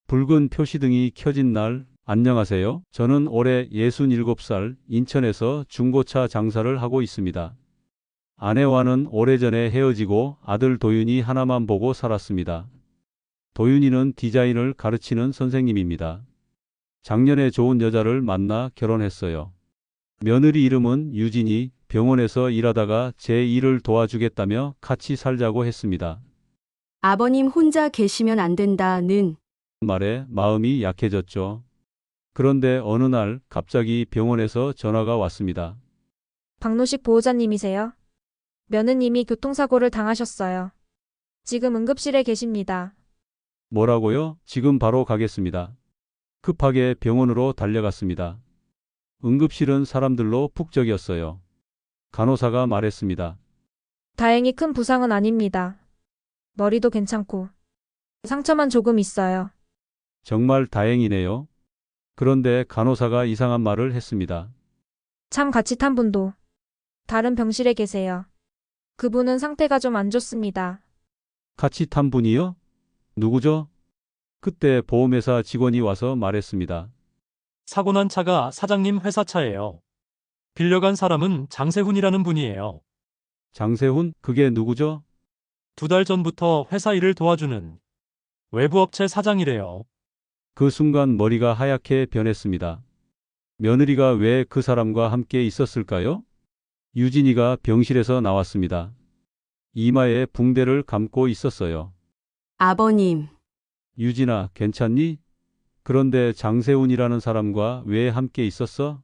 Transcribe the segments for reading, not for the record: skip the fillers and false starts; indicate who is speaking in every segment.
Speaker 1: 붉은 표시등이 켜진 날, 안녕하세요. 저는 올해 67살 인천에서 중고차 장사를 하고 있습니다. 아내와는 오래전에 헤어지고 아들 도윤이 하나만 보고 살았습니다. 도윤이는 디자인을 가르치는 선생님입니다. 작년에 좋은 여자를 만나 결혼했어요. 며느리 이름은 유진이, 병원에서 일하다가 제 일을 도와주겠다며 같이 살자고 했습니다.
Speaker 2: 아버님 혼자 계시면 안 된다는
Speaker 1: 말에 마음이 약해졌죠. 그런데 어느 날 갑자기 병원에서 전화가 왔습니다.
Speaker 3: 박노식 보호자님이세요? 며느님이 교통사고를 당하셨어요. 지금 응급실에 계십니다.
Speaker 1: 뭐라고요? 지금 바로 가겠습니다. 급하게 병원으로 달려갔습니다. 응급실은 사람들로 북적이었어요. 간호사가 말했습니다.
Speaker 3: 다행히 큰 부상은 아닙니다. 머리도 괜찮고 상처만 조금 있어요.
Speaker 1: 정말 다행이네요. 그런데 간호사가 이상한 말을 했습니다.
Speaker 3: 참 같이 탄 분도 다른 병실에 계세요. 그분은 상태가 좀 안 좋습니다.
Speaker 1: 같이 탄 분이요? 누구죠? 그때 보험회사 직원이 와서 말했습니다.
Speaker 4: 사고 난 차가 사장님 회사 차예요. 빌려간 사람은 장세훈이라는 분이에요.
Speaker 1: 장세훈? 그게 누구죠?
Speaker 4: 2달 전부터 회사 일을 도와주는 외부업체 사장이래요.
Speaker 1: 그 순간 머리가 하얗게 변했습니다. 며느리가 왜 그 사람과 함께 있었을까요? 유진이가 병실에서 나왔습니다. 이마에 붕대를 감고 있었어요.
Speaker 2: 아버님,
Speaker 1: 유진아, 괜찮니? 그런데 장세훈이라는 사람과 왜 함께 있었어?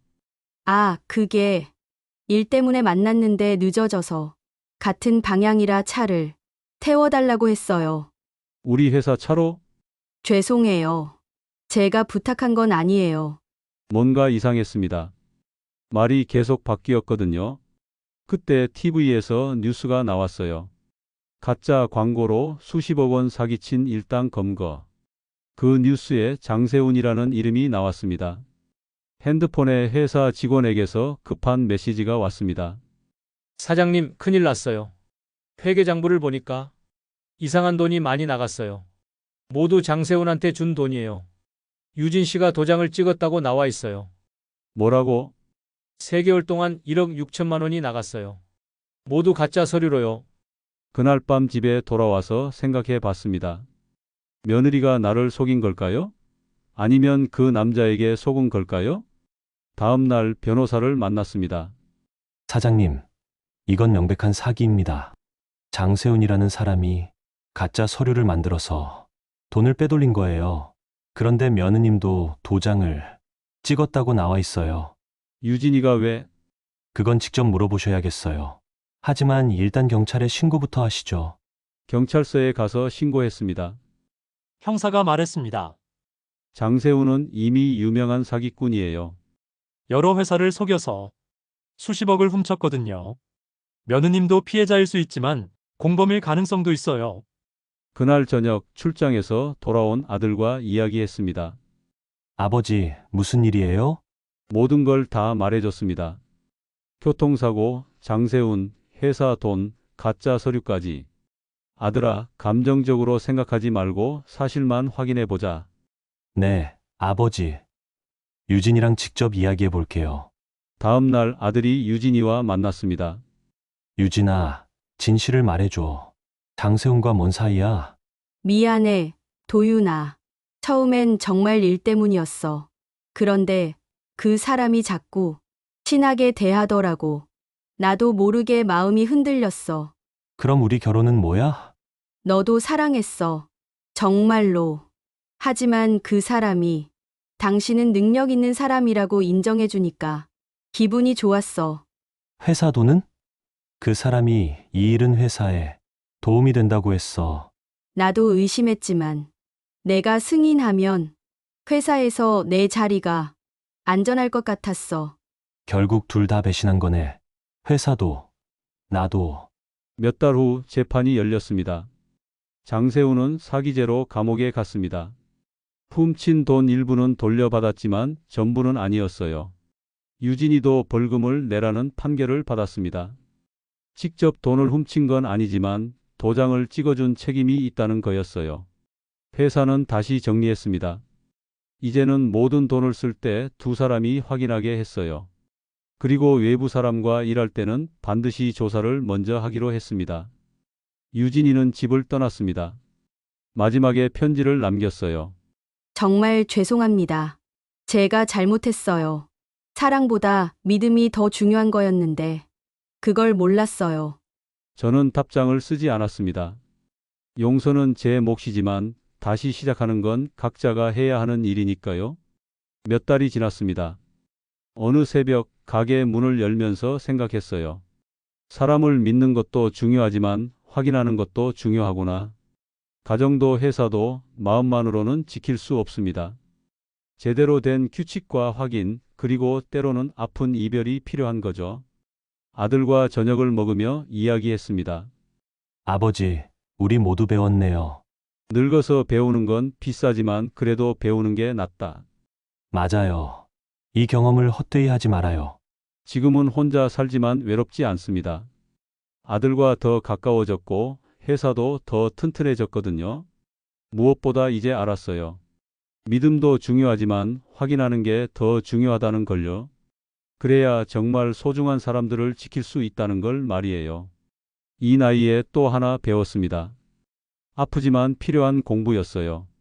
Speaker 2: 그게 일 때문에 만났는데 늦어져서 같은 방향이라 차를 태워달라고 했어요.
Speaker 1: 우리 회사 차로?
Speaker 2: 죄송해요. 제가 부탁한 건 아니에요.
Speaker 1: 뭔가 이상했습니다. 말이 계속 바뀌었거든요. 그때 TV에서 뉴스가 나왔어요. 가짜 광고로 수십억 원 사기친 일당 검거. 그 뉴스에 장세훈이라는 이름이 나왔습니다. 핸드폰에 회사 직원에게서 급한 메시지가 왔습니다.
Speaker 5: 사장님, 큰일 났어요. 회계장부를 보니까 이상한 돈이 많이 나갔어요. 모두 장세훈한테 준 돈이에요. 유진 씨가 도장을 찍었다고 나와 있어요.
Speaker 1: 뭐라고?
Speaker 5: 3개월 동안 1억 6천만 원이 나갔어요. 모두 가짜 서류로요.
Speaker 1: 그날 밤 집에 돌아와서 생각해 봤습니다. 며느리가 나를 속인 걸까요? 아니면 그 남자에게 속은 걸까요? 다음 날 변호사를 만났습니다.
Speaker 6: 사장님, 이건 명백한 사기입니다. 장세훈이라는 사람이 가짜 서류를 만들어서 돈을 빼돌린 거예요. 그런데 며느님도 도장을 찍었다고 나와 있어요.
Speaker 1: 유진이가 왜?
Speaker 6: 그건 직접 물어보셔야겠어요. 하지만 일단 경찰에 신고부터 하시죠.
Speaker 1: 경찰서에 가서 신고했습니다.
Speaker 4: 형사가 말했습니다.
Speaker 1: 장세훈은 이미 유명한 사기꾼이에요.
Speaker 4: 여러 회사를 속여서 수십억을 훔쳤거든요. 며느님도 피해자일 수 있지만 공범일 가능성도 있어요.
Speaker 1: 그날 저녁 출장에서 돌아온 아들과 이야기했습니다.
Speaker 6: 아버지, 무슨 일이에요?
Speaker 1: 모든 걸 다 말해줬습니다. 교통사고, 장세훈, 회사 돈, 가짜 서류까지. 아들아, 감정적으로 생각하지 말고 사실만 확인해보자.
Speaker 6: 네, 아버지. 유진이랑 직접 이야기해 볼게요.
Speaker 1: 다음 날 아들이 유진이와 만났습니다.
Speaker 6: 유진아, 진실을 말해줘. 장세훈과 뭔 사이야?
Speaker 2: 미안해, 도윤아. 처음엔 정말 일 때문이었어. 그런데 그 사람이 자꾸 친하게 대하더라고. 나도 모르게 마음이 흔들렸어.
Speaker 6: 그럼 우리 결혼은 뭐야?
Speaker 2: 너도 사랑했어. 정말로. 하지만 그 사람이 당신은 능력 있는 사람이라고 인정해주니까 기분이 좋았어.
Speaker 6: 회사 돈은? 그 사람이 이 일은 회사에 도움이 된다고 했어.
Speaker 2: 나도 의심했지만 내가 승인하면 회사에서 내 자리가 안전할 것 같았어.
Speaker 6: 결국 둘 다 배신한 거네. 회사도, 나도.
Speaker 1: 몇 달 후 재판이 열렸습니다. 장세훈은 사기죄로 감옥에 갔습니다. 훔친 돈 일부는 돌려받았지만 전부는 아니었어요. 유진이도 벌금을 내라는 판결을 받았습니다. 직접 돈을 훔친 건 아니지만 도장을 찍어준 책임이 있다는 거였어요. 회사는 다시 정리했습니다. 이제는 모든 돈을 쓸 때 두 사람이 확인하게 했어요. 그리고 외부 사람과 일할 때는 반드시 조사를 먼저 하기로 했습니다. 유진이는 집을 떠났습니다. 마지막에 편지를 남겼어요.
Speaker 2: 정말 죄송합니다. 제가 잘못했어요. 사랑보다 믿음이 더 중요한 거였는데 그걸 몰랐어요.
Speaker 1: 저는 답장을 쓰지 않았습니다. 용서는 제 몫이지만 다시 시작하는 건 각자가 해야 하는 일이니까요. 몇 달이 지났습니다. 어느 새벽 가게 문을 열면서 생각했어요. 사람을 믿는 것도 중요하지만 확인하는 것도 중요하구나. 가정도 회사도 마음만으로는 지킬 수 없습니다. 제대로 된 규칙과 확인, 그리고 때로는 아픈 이별이 필요한 거죠. 아들과 저녁을 먹으며 이야기했습니다.
Speaker 6: 아버지, 우리 모두 배웠네요.
Speaker 1: 늙어서 배우는 건 비싸지만 그래도 배우는 게 낫다.
Speaker 6: 맞아요. 이 경험을 헛되이 하지 말아요.
Speaker 1: 지금은 혼자 살지만 외롭지 않습니다. 아들과 더 가까워졌고 회사도 더 튼튼해졌거든요. 무엇보다 이제 알았어요. 믿음도 중요하지만 확인하는 게 더 중요하다는 걸요. 그래야 정말 소중한 사람들을 지킬 수 있다는 걸 말이에요. 이 나이에 또 하나 배웠습니다. 아프지만 필요한 공부였어요.